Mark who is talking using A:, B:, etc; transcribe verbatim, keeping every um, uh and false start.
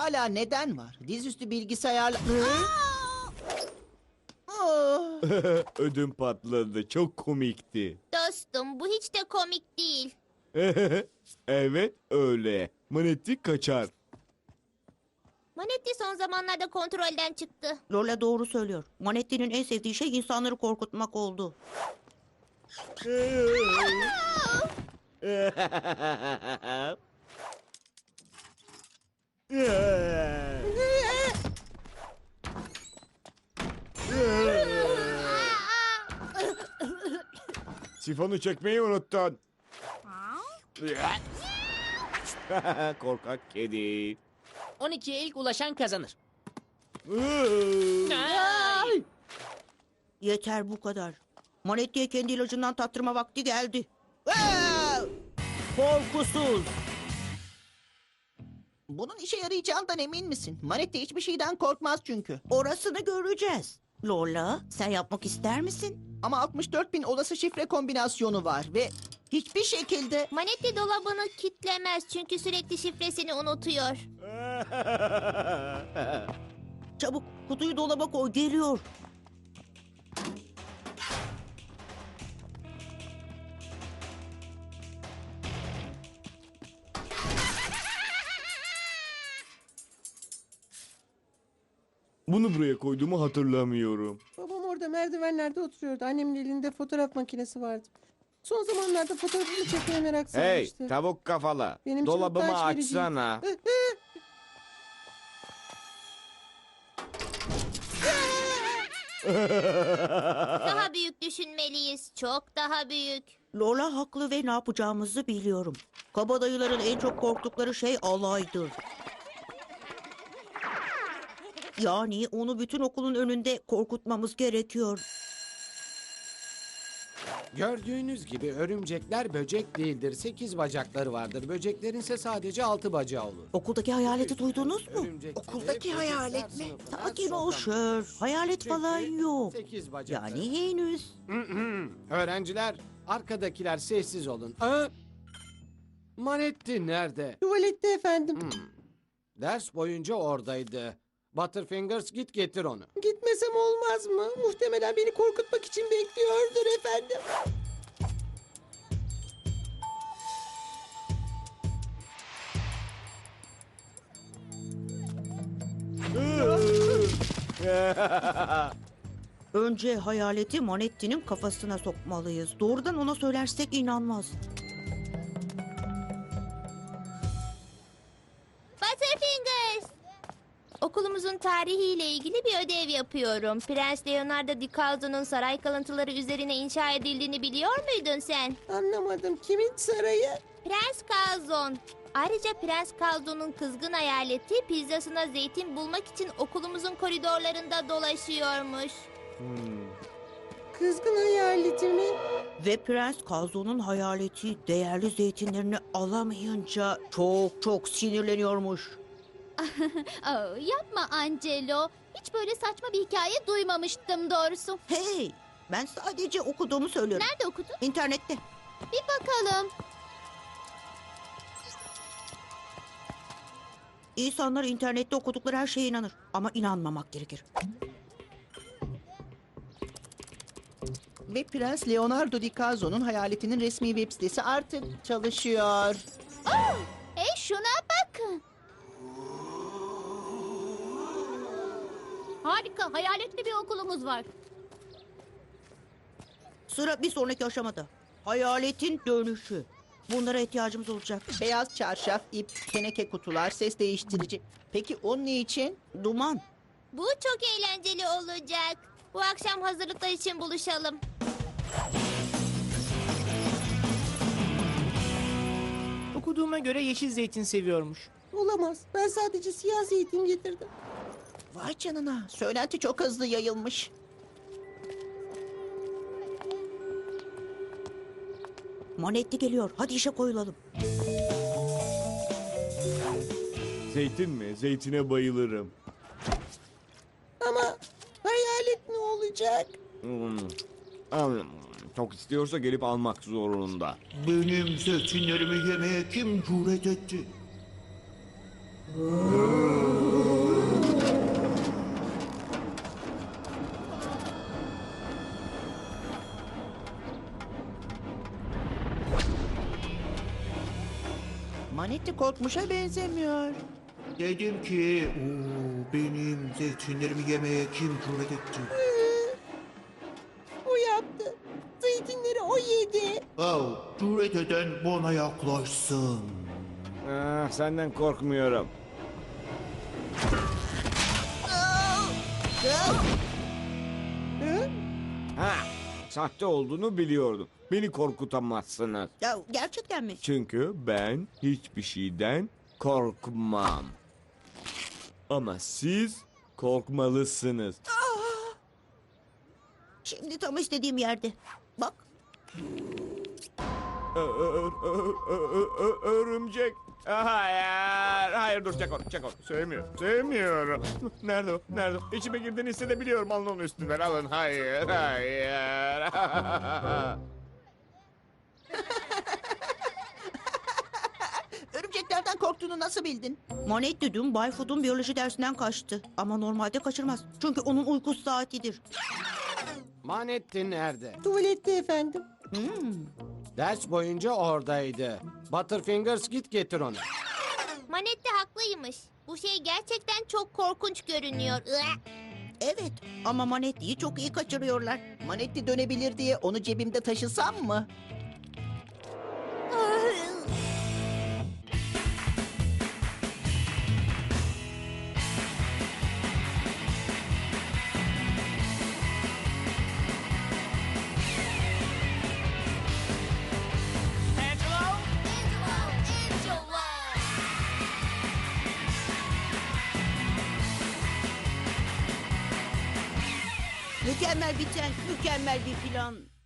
A: hala neden var? Dizüstü bilgisayarla... Oh.
B: Ödüm patladı. Çok komikti.
C: Dostum bu hiç de komik değil.
B: Evet öyle. Manetti kaçar.
C: Manetti son zamanlarda kontrolden çıktı.
D: Lola doğru söylüyor. Manetti'nin en sevdiği şey insanları korkutmak oldu.
B: Sifonu çekmeyi unuttun. Korkak kedi.
E: on ikiye ilk ulaşan kazanır.
D: Yeter bu kadar. Manetti'ye kendi ilacından tattırma vakti geldi. Aa! Korkusuz.
A: Bunun işe yarayacağından emin misin? Manetti hiçbir şeyden korkmaz çünkü.
D: Orasını göreceğiz. Lola, sen yapmak ister misin?
A: Ama altmış dört bin olası şifre kombinasyonu var ve hiçbir şekilde...
C: Manetti dolabını kitlemez çünkü sürekli şifresini unutuyor.
D: Çabuk kutuyu dolaba koy, geliyor.
B: Bunu buraya koyduğumu hatırlamıyorum.
F: Babam orada merdivenlerde oturuyordu. Annemin elinde fotoğraf makinesi vardı. Son zamanlarda fotoğrafını çekmeye merak
B: Hey
F: sarmıştı.
B: tavuk kafalı.
F: Benim için
B: Dolabımı
F: utanç vericiydi.
B: açsana.
C: Daha büyük düşünmeliyiz. Çok daha büyük.
D: Lola haklı ve ne yapacağımızı biliyorum. Kabadayıların en çok korktukları şey alaydır. Yani onu bütün okulun önünde korkutmamız gerekiyor.
G: Gördüğünüz gibi örümcekler böcek değildir. Sekiz bacakları vardır. Böceklerin ise sadece altı bacağı olur.
D: Okuldaki hayaleti duydunuz mu?
G: Örümcekleri
A: Okuldaki
G: böcekler
A: hayalet mi?
G: sınıfına
D: Sakin ol
G: sokamıyor.
D: Şer. Hayalet falan
G: Çünkü
D: yok.
G: Sekiz bacakları.
D: Yani henüz.
G: Öğrenciler, arkadakiler sessiz olun. Aa! Manetti nerede?
F: Tuvalette efendim.
G: Ders boyunca oradaydı. Butterfingers git getir onu.
F: Gitmesem olmaz mı? Muhtemelen beni korkutmak için bekliyordur efendim.
D: Önce hayaleti Manetti'nin kafasına sokmalıyız. Doğrudan ona söylersek inanmaz.
C: Butterfingers! Okulumuzun tarihiyle ilgili bir ödev yapıyorum. Prens Leonardo DiCalzo'nun saray kalıntıları üzerine inşa edildiğini biliyor muydun sen?
F: Anlamadım. Kimin sarayı?
C: Prens Calzon. Ayrıca Prens Calzon'un kızgın hayaleti pizzasına zeytin bulmak için okulumuzun koridorlarında dolaşıyormuş.
F: Kızgın hayaleti mi?
D: Ve Prens Kazo'nun hayaleti değerli zeytinlerini alamayınca çok çok sinirleniyormuş.
H: Aa, yapma Angelo. Hiç böyle saçma bir hikaye duymamıştım doğrusu.
D: Hey, ben sadece okuduğumu söylüyorum.
H: Nerede okudun?
D: İnternette.
H: Bir bakalım.
D: İnsanlar internette okudukları her şeye inanır. Ama inanmamak gerekir.
A: Ve Prens Leonardo DiCalzo'nun hayaletinin resmi web sitesi artık çalışıyor.
H: Hey şuna bakın. Harika, hayaletli bir okulumuz var.
D: Sıra bir sonraki aşamada. Hayaletin dönüşü. Bunlara ihtiyacımız olacak.
A: Beyaz çarşaf, ip, teneke kutular, ses değiştirici. Peki o ne için?
D: Duman.
C: Bu çok eğlenceli olacak. Bu akşam hazırlıklar için buluşalım.
E: Okuduğuma göre yeşil zeytin seviyormuş.
F: Olamaz. Ben sadece siyah zeytin getirdim.
A: Vay canına. Söylenti çok hızlı yayılmış.
D: Manetti geliyor. Hadi işe koyulalım.
B: Zeytin mi? Zeytine bayılırım.
F: Ama hayalet ne olacak?
B: Hmm. Am, Çok istiyorsa gelip almak zorunda.
I: Benim zeytinlerimi yemeye kim cüret etti?
A: Manetti korkmuşa benzemiyor.
I: Dedim ki, "Oo, benim zeytinlerimi yemeye kim cüret etti?"
F: O yaptı. Zeytinleri o yedi.
I: Oh, cüret eden bana yaklaşsın.
B: Ah, senden korkmuyorum.
F: Hı?
B: Ha, sahte olduğunu biliyordum. Beni korkutamazsınız.
D: Ya gerçekten mi?
B: Çünkü ben hiçbir şeyden korkmam. Ama siz korkmalısınız.
D: Şimdi tam istediğim yerde. Bak.
B: Ö- ö- ö- ö- ö- ö- Örümcek. Hayır, hayır dur çek onu, çek onu. Sevmiyorum, sevmiyorum. Nerede o, nerede o? İçime girdiğini hissedebiliyorum, alın onu üstünden, alın. Hayır, hayır.
A: Örümceklerden korktuğunu nasıl bildin?
D: Monetti dün Bay Food'un biyoloji dersinden kaçtı. Ama normalde kaçırmaz. Çünkü onun uyku saatidir.
G: Manetti nerede?
F: Tuvalette efendim.
D: Hmm.
G: Ders boyunca oradaydı. Butterfingers git getir onu.
C: Manetti haklıymış. Bu şey gerçekten çok korkunç görünüyor. Iı.
D: Evet ama Manetti'yi çok iyi kaçırıyorlar.
A: Manetti dönebilir diye onu cebimde taşısam mı?
D: Mükemmel biten, mükemmel bir plan.